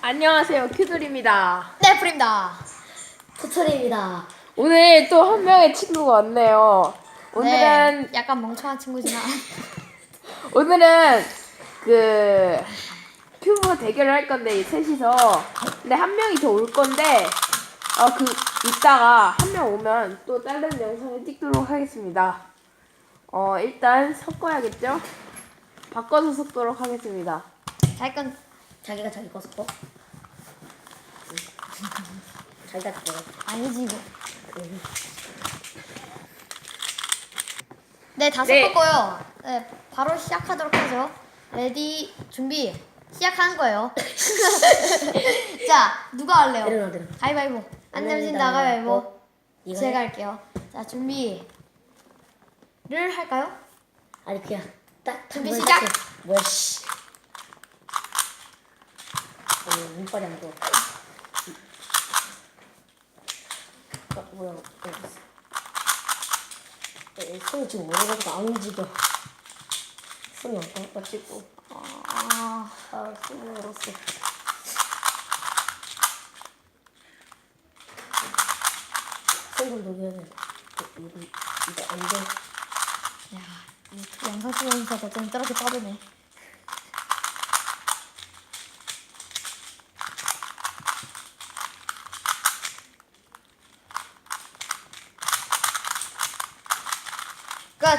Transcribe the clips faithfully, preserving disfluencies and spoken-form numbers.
안녕하세요, 큐돌입니다. 네, 프입니다. 토토리입니다. 오늘 또 한 명의 친구가 왔네요. 오늘은 네, 약간 멍청한 친구지만 오늘은 그 큐브 대결을 할 건데 이 셋이서 근데 한 명이 더 올 건데 어 그 이따가 한 명 오면 또 다른 영상을 찍도록 하겠습니다. 어 일단 섞어야겠죠? 바꿔서 섞도록 하겠습니다. 자기 건 자기가 자기 거 섞어? 자기가 자기 거. 아니지 이거. 네, 다 네. 섞었고요. 네, 바로 시작하도록 하죠. 레디, 준비, 시작하는 거예요. 자, 누가 할래요? 내려놔 내려. 가위바위보. 안 안 내면 된다. 가위바위보. 어? 이거 제가 해? 할게요. 자, 준비를 할까요? 아니 그냥 딱 준비 한번 시작! 해. 뭐야 씨. 어, 눈발이 안 돼. 어, 뭐야? 어, 에, 손이 지금 오래가지고 안 움직여. 손이 어떤 거 찍고. 아, 아, 손이 얼었어. 손좀 녹여야 돼. 어, 이거 이거 안 돼. 야, 이 영상 찍으면서 어쩜 저렇게 빠르네. 끝!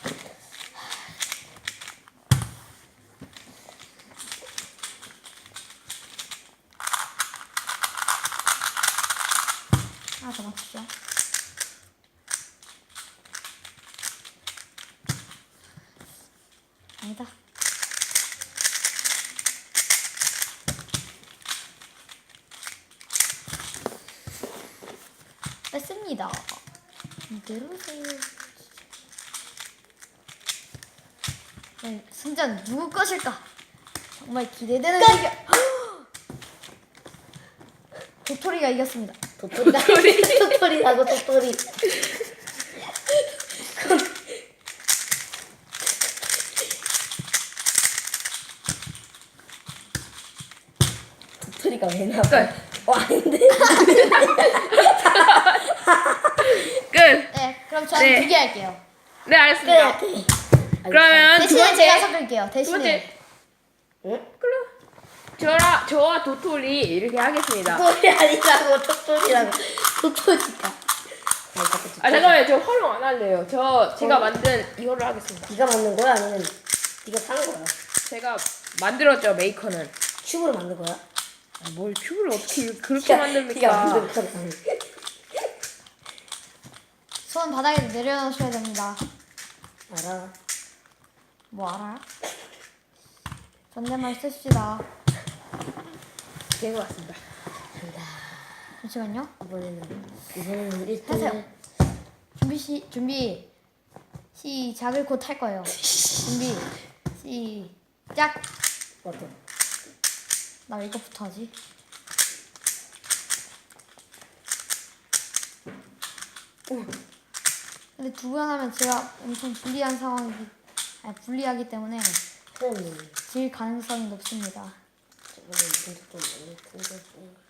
하나 더 맞추죠. 아니다. 뺐습니다. 이대로세요. 네, 승자는 누구 것일까? 정말 기대되는 대결. 도토리가 이겼습니다. 도토리가 도토리라고 도토리. 도토리가 왜 나와? 끝. 어 아닌데. 끝. 네, 그럼 저는 네. 두 개 할게요. 네, 알겠습니다. 그래. 그러면 두 대신에 제가 번째 섞을게요. 두 대신에. 번째 응? 그럼 저라 저와 도토리 이렇게 하겠습니다. 도토리 아니라고 도토리라고 도토리가. 아니, 자꾸 아 잠깐만요, 저 활용 안 할래요. 저 제가 어. 만든 이거를 하겠습니다. 네가 만든 거야 아니면 네가 산 거야? 제가 만들었죠, 메이커는. 큐브로 만든 거야? 아, 뭘 큐브를 어떻게 그렇게 네가 만든 만듭니까? 거야. 손 바닥에 내려놓으셔야 됩니다. 알아. 뭐 알아? 존댓말 쓰시다. 된 것 같습니다. 간다. 잠시만요. 이번에는 이번에는 일 하세요. 등을 준비 시 준비 시작을 곧 할 거예요. 준비 시작. 어떤? 나 왜 이거부터 하지? 근데 두 번 하면 제가 엄청 불리한 상황이기 아니 불리하기 때문에 흠. 질 가능성이 높습니다. 저번에 이분 좀 많이 큰데.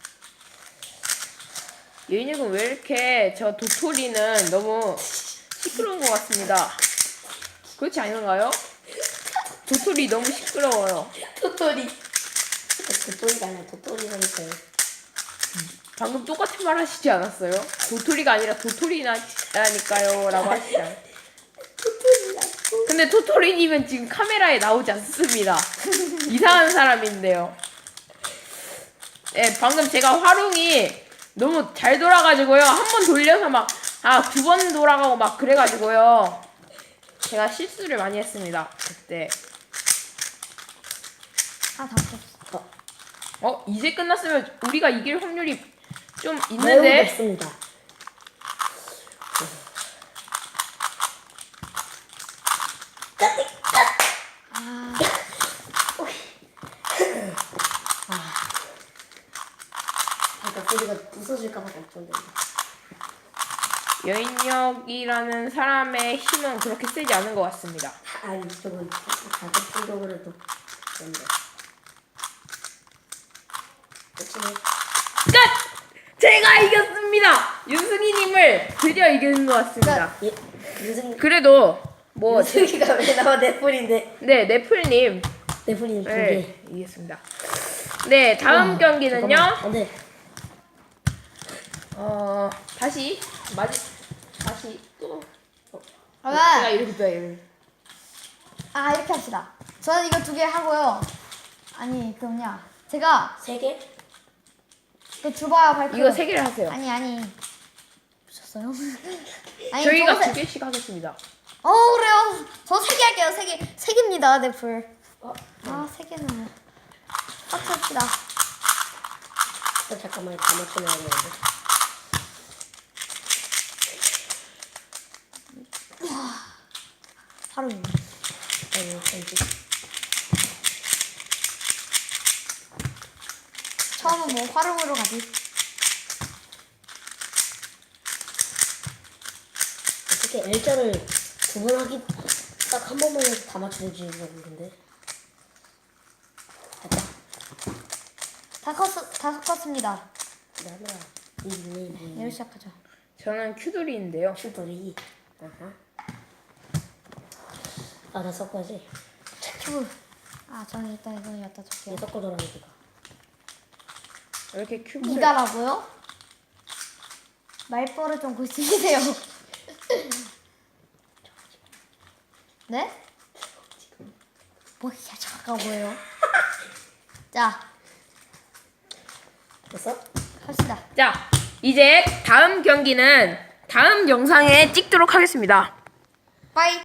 유인혁은 왜 이렇게 저 도토리는 너무 시끄러운 것 같습니다. 그렇지 않은가요? 도토리 너무 시끄러워요. 도토리. 도토리가 아니라 도토리라니까요. 방금 똑같은 말 하시지 않았어요? 도토리가 아니라 도토리라니까요 라고 하시잖아요. 도토리라고. 근데 토토리님은 지금 카메라에 나오지 않습니다. 이상한 사람인데요. 네, 방금 제가 활용이 너무 잘 돌아가지고요. 한 번 돌려서 막, 아, 두 번 돌아가고 막 그래가지고요. 제가 실수를 많이 했습니다. 그때. 아, 다 없어. 어, 어, 이제 끝났으면 우리가 이길 확률이 좀 매우 있는데? 높습니다. 아, 아까 소리가 부서질까봐 걱정된다. 여인력이라는 사람의 힘은 그렇게 세지 않은 것 같습니다. 아니 저건 자극적으로도 그런데. 그치네. 끝! 제가 이겼습니다. 윤승희님을 드디어 이기는 것 같습니다. 예, 윤승, 그래도 뭐 윤승이가 왜 나와 넷플인데? 네, 네플님 넷플이 두 개. 네, 이겼습니다. 네, 다음 아, 경기는요. 잠깐만. 안 돼. 어, 다시 마지 다시 또 어, 제가 그러면 이렇게 또 이렇게. 아 이렇게 합시다. 저는 이거 두 개 하고요. 아니 그 뭐냐 제가 세 개? 그 주바야 발표. 이거 세 개를 하세요. 아니 아니 보셨어요? 아니 저희가 저거 두 세- 개씩 하겠습니다. 어 그래요. 저 세 개 할게요. 세 개. 세 개입니다. 네 불. 어, 아 세 개는 뭐. 합시다. 어, 잠깐만, 다 맞춰놔야 되는데. 바로 아니, 아니지. 처음은 뭐 활용으로 가지. 어떻게 L자를 두 번 하기 딱 한 번만 해서 다 맞춰보지 근데. 됐다. 다 컸, 다 섞었습니다. 나나 이이이 얘로 시작하죠. 저는 큐돌이인데요. 슈돌이. 아하. 아, 나 섞어야지. 큐브. 아 저는 일단 이거 갖다 얘 줄게요. 섞어줘라 니가. 이렇게 큐브를 니가라고요? 말버릇 좀 고치세요. 네? 뭐야 잠깐 뭐예요? 자 됐어? 합시다. 자, 이제 다음 경기는 다음 영상에 찍도록 하겠습니다. 빠이.